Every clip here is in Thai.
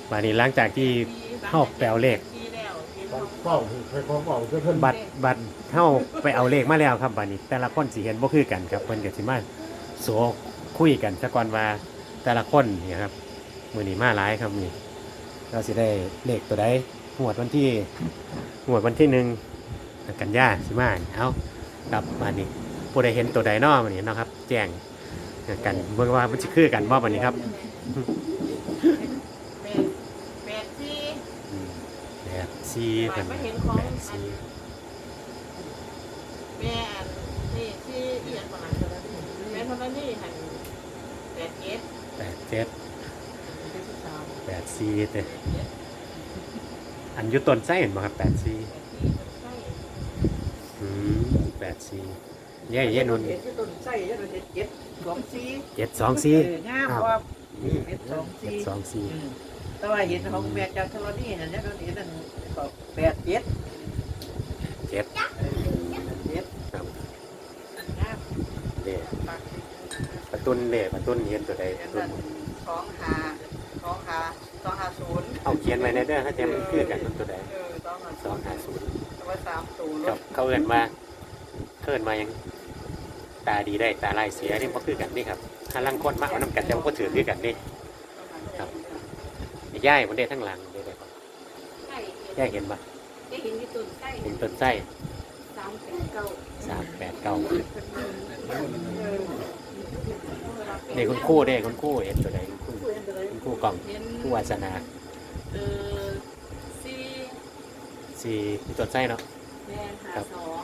มานี่หลังจากที่เข้าไปเอาเลขเป้าไปของเป้าเพื่อนบัตรเข้าไปเอาเลขมาแล้วครับบัดนี้แต่ละคนสิเห็นบ่คือกันครับเพิ่นก็สิมาโสคุยกันซะก่อนว่าแต่ละคนเนี่ยครับมื้อนี้มาหลายครับนี่เราสิได้เลขตัวใดงวดวันที่1กันยาสิมาเอาครับบัดนี้ผู้ใดเห็นตัวใดน้อบัดนี้เนาะครับแจ้งกันเบิ่งว่ามันสิคือกันบ่บัดนี้ครับ84เพิ่น84 แม่นี่ที่เอียงประมาณแม่เท่านั้นนี่หัน 84เด้อันอยู่ต้นไส้เห็นบ่ครับ8484เย่นุ่นต้นไส้ยัน 724 งามว่า 724 แต่ว่าเห็นของแม่จันทรนี่นั่นเนี่ยเราเห็นนั่นก็87 ครับเด้ประตุนเห็นตัวใดประตุน 250 เอาเขียนไว้ในเด้อถ้าแจมันคือกันตัวใด250 แต่ว่า3ตัวกับเขาเอิ้นมายังตาดีได้ตาลายเสียนี่บ่คือกันนี่ครับถ้าลังคนมาเอานำกันแต่ว่าบ่ถือคือกันนี่ครับย่ายบ่ได้ทั้งหลังได้ครับย่ายเห็นบ่ได้เห็นที่ต้นไส้เห็นต้นไส้ 389 นี่คุณครูเด้คุณครูเห็นตัวใดคุณครูกล่องผู้วาสนา4ต้นไส้เนาะครับ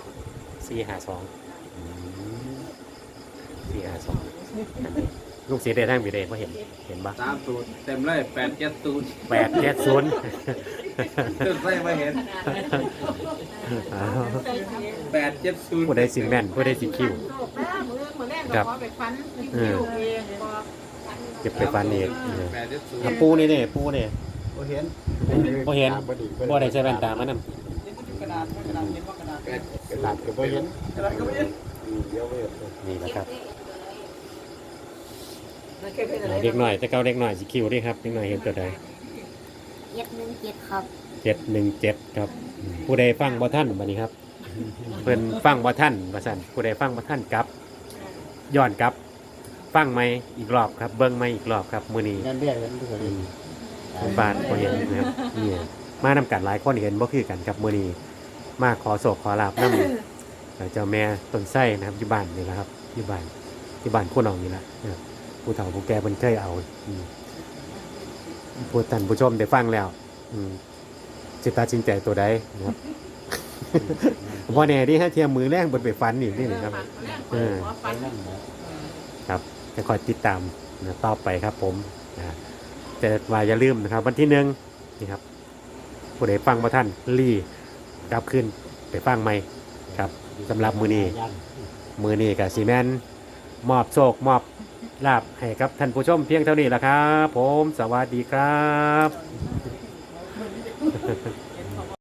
452ลูกเสียได้ทั้งปีเด้บ่เห็นบ่ 3ตูดเต็มเลย8-7ตูด 870 ต้นไส้ไม่เห็น8-7 ผู้ใดสิแม่นผู้ใดสิคิวครับเก็บไปฟันเองปูนี่เด้ปูนี่บ่เห็นบ่ได้ใช้แว่นตามันนำกระดาษก็บ่เห็นเดี๋ยวบ่เห็นนี่นะครับเด็กหน่อยแต่เก่าเด็กหน่อยสิคิวดิครับเด็กหน่อยเห็นตัวใด 717ครับ 717ครับผู้ใดฟังบ่ทันบัดนี้ครับเพิ่นฟังบ่ทันว่าซั่นผู้ใดฟังบ่ทันกลับย้อนกลับฟังใหม่อีกรอบครับเบิ่งใหม่อีกรอบครับมื้อนี้นั่นเรียกกันทุกคนคุณบ้านบ่เห็นนะครับนี่มานำกันหลายคนเห็นบ่คือกันครับมื้อนี้มาขอโศกขอลาบนำเจ้าแม่ต้นไส้นะครับอยู่บ้านนี่แหละครับอยู่บ้านผู้น้องนี่แหละนะครับผู้เฒ่าผู้แก่เพิ่นเคยเอาผู้ท่านผู้ชมได้ฟังแล้วสิตัดสินใจตัวใดนะครับบ่แน่ดิฮะเทียมมือแรงเพิ่นไปฟันอีกนี่นะครับครับจะคอยติดตามนะต่อไปครับผมแต่ว่าอย่าลืมนะครับวันที่1นี่ครับผู้ใดฟังบ่ทันรีกลับขึ้นไปฟังใหม่ครับสำหรับมื้อนี้ก็สิแม่นมอบโชคมอบลาภให้กับท่านผู้ชมเพียงเท่านี้ล่ะครับผมสวัสดีครับ